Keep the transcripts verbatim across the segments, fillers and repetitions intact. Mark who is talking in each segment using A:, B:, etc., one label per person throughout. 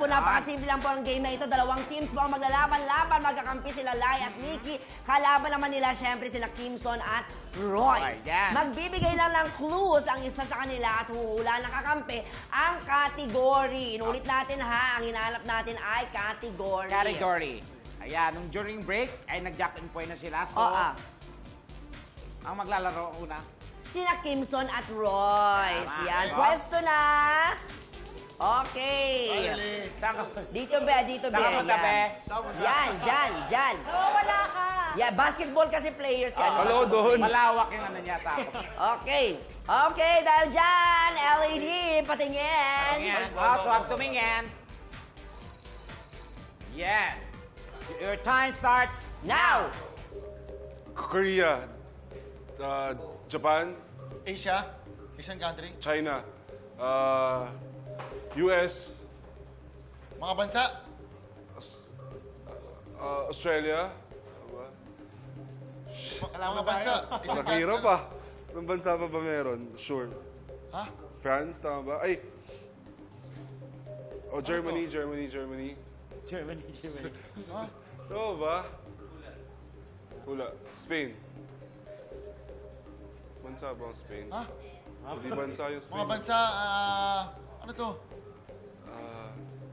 A: po, napakasimple lang po ang game na ito. Dalawang teams po ang maglalaban-laban. Magkakampi sila Lai at Nikki. Kalaban naman nila, syempre, sila Kimson at Royce.
B: Yan.
A: Magbibigay lang ng clues ang isa sa kanila at huhula ng kakampi ang category. Inulit natin ha, ang hinahanap natin ay category.
B: Category. Ayan, nung during break, ay nag-jack in point na sila. So,
A: Oo.
B: ang maglalaro una.
A: Sina Kimson at Royce.
B: Tama.
A: Yan,
B: Diba?
A: pwesto na. Okay.
B: Saan ka?
A: Dito be, dito be.
B: Saan ka punta, be?
A: Yan, dyan, dyan.
C: Wala ka.
A: Yeah, basketball kasi players yan.
D: Hello doon.
B: Malawak yung ano niya sa ako.
A: Okay. Okay, dahil dyan, L E D, patingin.
B: Ayan. Oh, so ang tumingin. Yeah. Your time starts
A: Now.
D: Korea, uh, Japan,
E: Asia, Asian country,
D: China, uh, U S,
E: mga bansa,
D: uh, Australia.
E: ma- mga bansa, Asian
D: Nakahirap
E: country.
D: pa. Anong bansa pa ba meron? Sure.
E: Ha?
D: France, tama ba? Ay! Oh, Germany, Germany, Germany.
B: Germany, Germany.
E: Ha?
D: Tama ba? Wala. Spain. Bansa ba ang Spain?
E: Ha?
D: Hindi bansa yung Spain.
E: Mga bansa, ah, ano to?
D: Ah,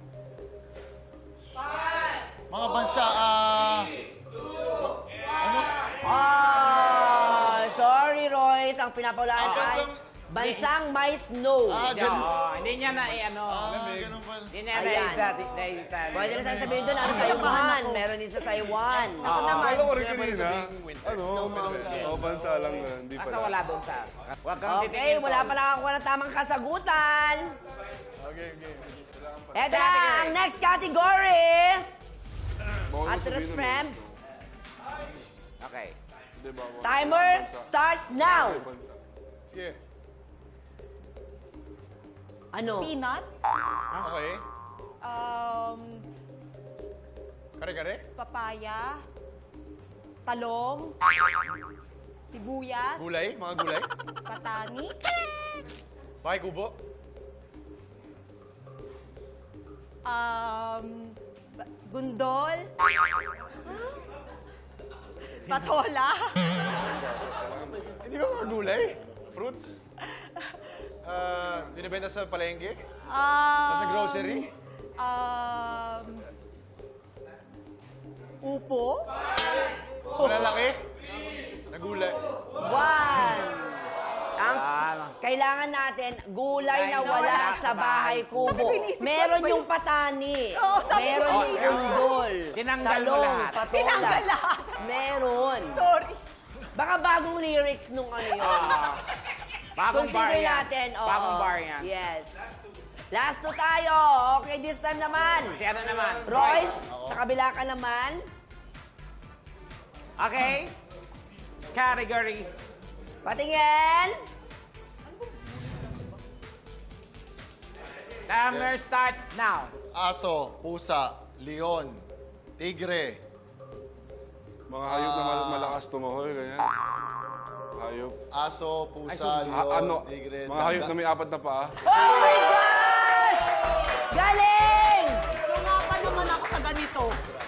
E: Mga bansa, ah, ano?
A: Ah, sorry, Royce. Ang pinapaulaan
E: Ah,
A: ay
E: bansang-
A: bansang may snow.
E: Ah,
B: Hindi,
E: ganun.
B: oh, hindi niya na i-ano.
E: Ah, ganun pala.
B: Hindi niya
A: Ayan.
B: na-edita.
A: Pwede na saan sabihin doon, ano Taiwan? Meron din sa Taiwan.
C: Ako naman.
D: Akala ko rin kanina. Ano?
A: mountain.
D: Oh, bansa lang na. Hindi
B: Basta
D: pala.
B: wala doon sa... Huwag kang
A: Okay,
B: titingin,
A: wala
B: Paul.
A: pa nakakuha ng tamang kasagutan.
E: Okay, okay.
A: Eto na ang next category.
D: Bawal mo
A: At
D: sabihin
A: Rats
D: nun,
A: Frem,
B: Okay.
D: Hindi ba? Bawal.
A: timer
D: Bansa.
A: starts now.
D: Bansa. Sige.
A: Ano?
C: Peanut.
E: Okay.
C: Um,
E: Kare-kare?
C: papaya. Talong. Sibuyas.
E: Gulay? Mga gulay?
C: Patani.
E: Bahay kubo?
C: Um, ba- gundol. Patola.
E: Hindi ba mga gulay? Fruits? Ah, binibenta sa palengke?
C: Um,
E: Sa grocery?
C: Um, upo.
E: Malalaki? Na gulay?
A: One. Ang
B: Ah,
A: kailangan natin, gulay na
B: Gulay na
A: wala
B: wala
A: sa
B: sa
A: bahay
B: bahay
A: kubo.
C: Sabi ko, iniisip ko,
A: Meron
C: ano ba
A: yung patani.
C: Oo, sabi ko,
A: Meron yung
B: iniisip ko.
A: undol.
B: Tinanggal mo
A: talong,
B: lahat.
A: patola.
C: Tinanggal lahat.
A: Meron.
C: Sorry.
A: Baka bagong lyrics nung ano yun.
B: Ah, bagong bar
A: Consider
B: yan.
A: natin. oo.
B: Bagong bar yan.
A: Yes. Last two tayo. Okay, this time naman.
B: Si ano naman?
A: Royce, sa kabila ka naman.
B: Okay. Category.
A: Patingin.
B: Timer starts now.
E: Aso, pusa, leon, tigre,
D: Mga hayop na mal- malakas tumahol, ganyan. Hayop.
E: aso, pusa,
D: Ah,
E: leon,
D: ano?
E: tigre,
D: Mga hayop na
E: daga.
D: may apat na paa.
A: Oh my gosh! Galing!
C: Sumapa naman ako sa ganito.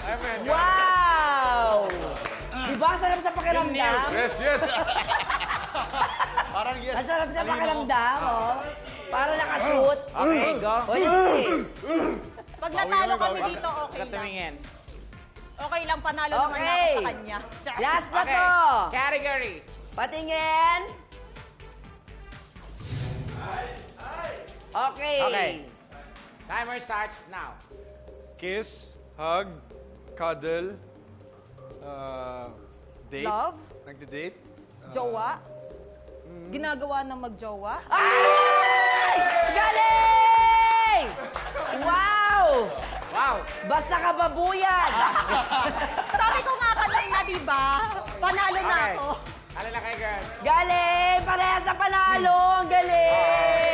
A: Wow! Diba ang sarap sa pakiramdam?
D: Yes, yes!
E: Parang yes.
A: Ang sarap sa pakiramdam, oh. Para nakashoot.
B: Okay, go.
A: Hoy, eh.
C: Pag natalo kami dito, okay lang.
B: Katumingin.
C: Okay lang, panalo naman
A: Okay.
C: na ako sa kanya.
A: Last na
B: Okay.
A: to.
B: Category.
A: Patingin. Okay.
B: Okay. Timer starts now.
F: Kiss, hug, cuddle, uh, date.
C: Love,
F: Nagde-date.
C: jowa. Ginagawa ng magjowa.
A: Ay! Galing! Wow!
B: Wow.
A: Basta kababuyan.
C: Sabi ko nga kanina, di ba? Panalo na
B: Okay.
C: ako.
B: Ano na kay girl?
A: Galing! Pareha sa panalo. Ang galing!